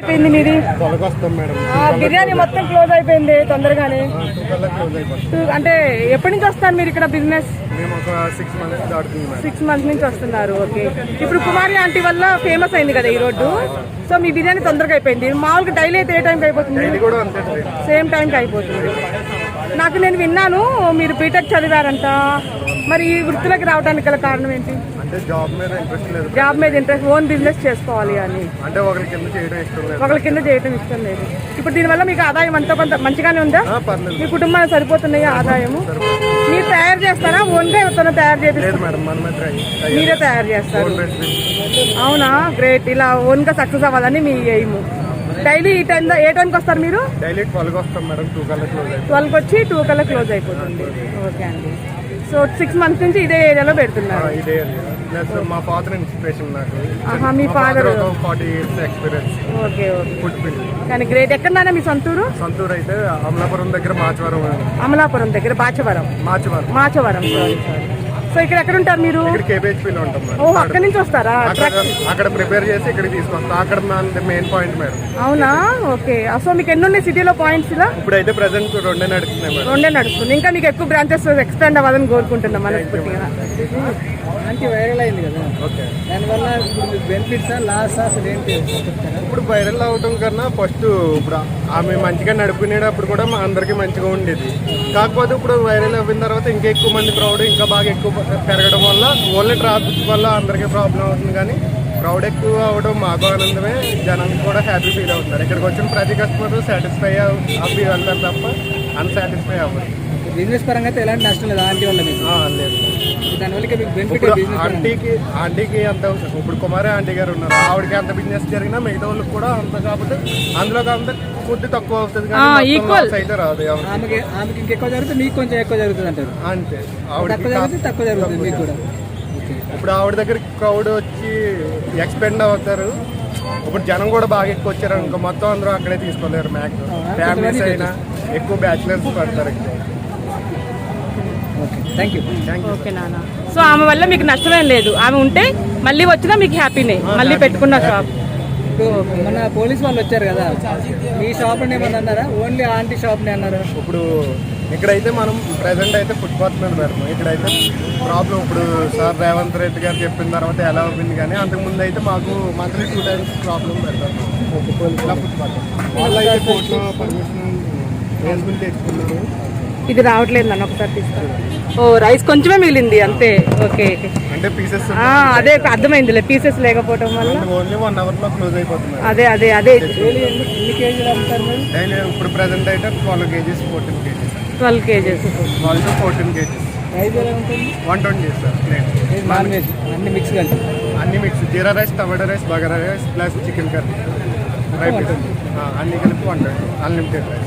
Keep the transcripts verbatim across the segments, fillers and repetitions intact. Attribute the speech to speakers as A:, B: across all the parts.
A: అయిపోయింది మీది బిర్యానీ మొత్తం క్లోజ్ అయిపోయింది తొందరగానే. అంటే ఎప్పటి నుంచి వస్తారు మీరు ఇక్కడ బిజినెస్? సిక్స్ మంత్స్ నుంచి వస్తున్నారు. ఓకే, ఇప్పుడు కుమారి ఆంటీ వల్ల ఫేమస్ అయింది కదా ఈ రోడ్డు, సో మీ బిర్యానీ తొందరగా అయిపోయింది. మామూలుగా డైలీ అయితే ఏ టైంకి అయిపోతుంది? సేమ్ టైంకి అయిపోతుంది. నాకు నేను విన్నాను మీరు బీటెక్ చదివారంట, మరి ఈ వృత్తిలోకి రావడానికి గల కారణం ఏంటి?
B: జాబ్ మీద ఇంట్రెస్ట్ లేదు.
A: జాబ్ మీద ఇంట్రెస్ట్, ఓన్ బిజినెస్ చేసుకోవాలి అని.
B: అంటే ఒకరి కింద చేయడం ఇష్టం లేదు.
A: ఒకరి కింద చేయడం ఇష్టం లేదు. ఇప్పుడు దీనివల్ల మీకు ఆదాయం అంతా కొంత మంచిగానే ఉందా? మీ కుటుంబానికి సరిపోతున్నాయా ఆదాయము? మీరు తయారు చేస్తారా, ఓన్గా ఎవరితో తయారు చేపిస్తారు? మీరే తయారు చేస్తారు. అవునా, గ్రేట్. ఇలా ఓన్గా సక్సెస్ అవ్వాలని మీ ఎయిమ్. డైలీ ఈ టైం ఏ టైంకి వస్తారు మీరు?
B: డైలీ ట్వెల్వ్ వస్తాం మేడం. టూ కల్లా క్లోజ్ అయిపోతుంది.
A: ట్వెల్వ్కి వచ్చి టూ కల్లా క్లోజ్ అయిపోతుంది. ఓకే అండి. సో సిక్స్ మంత్స్ నుంచి ఇదే ఏరియాలో పెడుతున్నారు.
B: ఇదే మా ఫాదర్ ఇన్స్పిరేషన్ నాకు.
A: మీ father
B: forty years experience.
A: Okay okay. Food field కానీ గ్రేట్. ఎక్కడన్నా మీ సొంతూరు?
B: సొంతూరు అయితే అమలాపురం దగ్గర మాచవరం.
A: అమలాపురం దగ్గర Bachavaram.
B: Machavaram
A: Machavaram sorry sorry. So ఇక్కడ ఎక్కడ ఉంటారు మీరు?
B: కేబీహెచ్పీలో ఉంటాం.
A: ఓ, అక్కడ నుంచి వస్తారా?
B: అక్కడ ప్రిపేర్ చేసి ఇక్కడికి తీసుకొస్తాం. అక్కడ మెయిన్ పాయింట్ మేడం.
A: అవునా, ఓకే. సో మీకు ఎన్ని ఉన్నాయి సిటీలో పాయింట్స్? ఇలా
B: ఇప్పుడైతే ప్రెసెంట్ రెండే నడుస్తున్నాయి మేడం.
A: రెండే నడుస్తుంది. ఇంకా మీకు ఎక్కువ బ్రాంచెస్ ఎక్స్పాండ్ అవ్వాలని కోరుకుంటున్నాం మనస్ఫూర్తిగా.
C: అంటే వైరల్ అయింది కదా, ఓకే. దానివల్ల ఇప్పుడు బెనిఫిట్సా లాస్ అసలు ఏంటి?
B: ఇప్పుడు వైరల్ అవడం కన్నా ఫస్ట్ ఇప్పుడు ఆమె మంచిగా నడుపుకునేటప్పుడు కూడా మా అందరికీ మంచిగా ఉండేది. కాకపోతే ఇప్పుడు వైరల్ అయిన తర్వాత ఇంకా ఎక్కువ మంది క్రౌడ్ ఇంకా బాగా ఎక్కువ పెరగడం వల్ల ఓన్లీ ట్రాఫిక్ వల్ల అందరికీ ప్రాబ్లం అవుతుంది. కానీ క్రౌడ్ ఎక్కువ అవడం మాకు ఆనందమే, జనం కూడా హ్యాపీ ఫీల్ అవుతున్నారు. ఇక్కడికి వచ్చిన ప్రతి కస్టమర్ సాటిస్ఫై అవ్వి వెళ్తారు తప్ప అన్సాటిస్ఫై అవ్వరు.
C: బిజినెస్ పరంగా అయితే ఎలాంటి నష్టం లేదు ఆంటీ వల్ల?
B: లేదు.
C: దానివల్ల మీకు బెనిఫిట్
B: ఆంటీకి ఆంటీకి అంత ఇప్పుడు కుమారి ఆంటీ గారు ఉన్నారు, ఆవిడకి అంత బిజినెస్ జరిగినా మిగతా వాళ్ళకి కూడా అంత. కాబట్టి అందులో అంత ఫుడ్ తక్కువ అవుతుంది కానీ అయితే రాదు.
C: ఆమెకి ఆమెకి ఇంకెక్కువ జరుగుతుంది, మీకు కొంచెం ఎక్కువ జరుగుతుంది అంటారు.
B: అంతే.
C: తక్కువ జరుగుతుంది తక్కువ జరుగుతుంది మీకు కూడా.
B: ఇప్పుడు ఆవిడ దగ్గర క్రౌడ్ వచ్చి ఎక్స్పెండ్ అవుతారు. ఇప్పుడు జనం కూడా బాగా ఎక్కువ వచ్చారు అనుకో, మొత్తం అందరూ అక్కడే తీసుకోలేరు. మ్యాక్సిమం ఫ్యామిలీస్ అయినా ఎక్కువ బ్యాచులర్స్ పడతారు ఇక్కడ.
C: Thank you.
A: ఓకే నాన్న. సో ఆమె వల్ల మీకు నష్టమేం లేదు, ఆమె ఉంటే మళ్ళీ వచ్చినా మీకు హ్యాపీనే, మళ్ళీ పెట్టుకున్న షాప్.
C: మన పోలీస్ వాళ్ళు వచ్చారు కదా, మీ షాప్ ఏమన్నా అన్నారా? ఓన్లీ ఆంటీ షాప్ అన్నారా?
B: ఇప్పుడు ఇక్కడైతే మనం ప్రెసెంట్ అయితే ఫుట్పాత్ మీద పెడతాం. ఇక్కడైతే ప్రాబ్లం ఇప్పుడు సార్ రేవంత్ రెడ్డి గారు చెప్పిన తర్వాత ఎలా అవుతుంది, కానీ అంతకుముందు అయితే మాకు మంత్లీ టూ టైమ్స్ ప్రాబ్లం పెడతాం. ఇలా ఫుట్పాత్ వాళ్ళు అయితే కోర్టులో పర్మిషన్ వేసుకుని తెచ్చుకున్నారు.
A: ఇది రావట్లేదు నన్ను ఒకసారి తీసుకోండి. ఓ, రైస్ కొంచెమే మిగిలింది అంతే. ఓకే,
B: అంటే పీసెస్
A: అదే అర్థమైందిలే, పీసెస్ లేకపోవడం వల్ల.
B: ఓన్లీ వన్ అవర్ లో క్లోజ్ అయిపోతుంది.
A: అదే అదే అదే
C: ఎన్ని కేజీలు అమ్ముతారు
B: డైలీ? ఇప్పుడు ప్రెసెంట్ అయితే twelve kgs fourteen kgs
A: twelve kgs
B: twelve to fourteen kgs.
C: Price ఎలా ఉంటుంది?
B: One twenty sir plate.
C: Non veg అన్ని మిక్స్ కలిపి?
B: అన్ని mix. Jeera rice, tomato rice, bagara rice plus chicken curry fry piece అన్ని కలిపి వన్ ట్వంటీ అన్లిమిటెడ్ రైస్.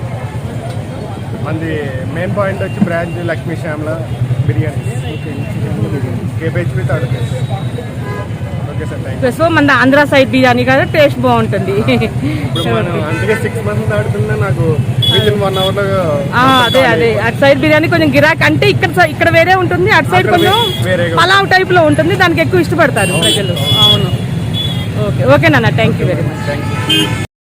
B: మనది main point వచ్చి branch Lakshmi Shyamala biryani, KBHP third place. Okay sir, thank you.
A: So మన Andhra side biryani కదా, taste బాగుంటుంది.
B: ఇప్పుడు మనం అందుకే సిక్స్ మంత్స్ ఆడుతున్నా నాకు వితిన్ వన్ అవర్ లో.
A: అదే అదే అటు సైడ్ బిర్యానీ కొంచెం గిరాక్, అంటే ఇక్కడ ఇక్కడ వేరే ఉంటుంది, అటు సైడ్ కొంచెం పలావ్ టైప్ లో ఉంటుంది, దానికి ఎక్కువ ఇష్టపడతారు ప్రజలు. అవును. ఓకే ఓకే నాన్న, thank you very much.
B: Thank you.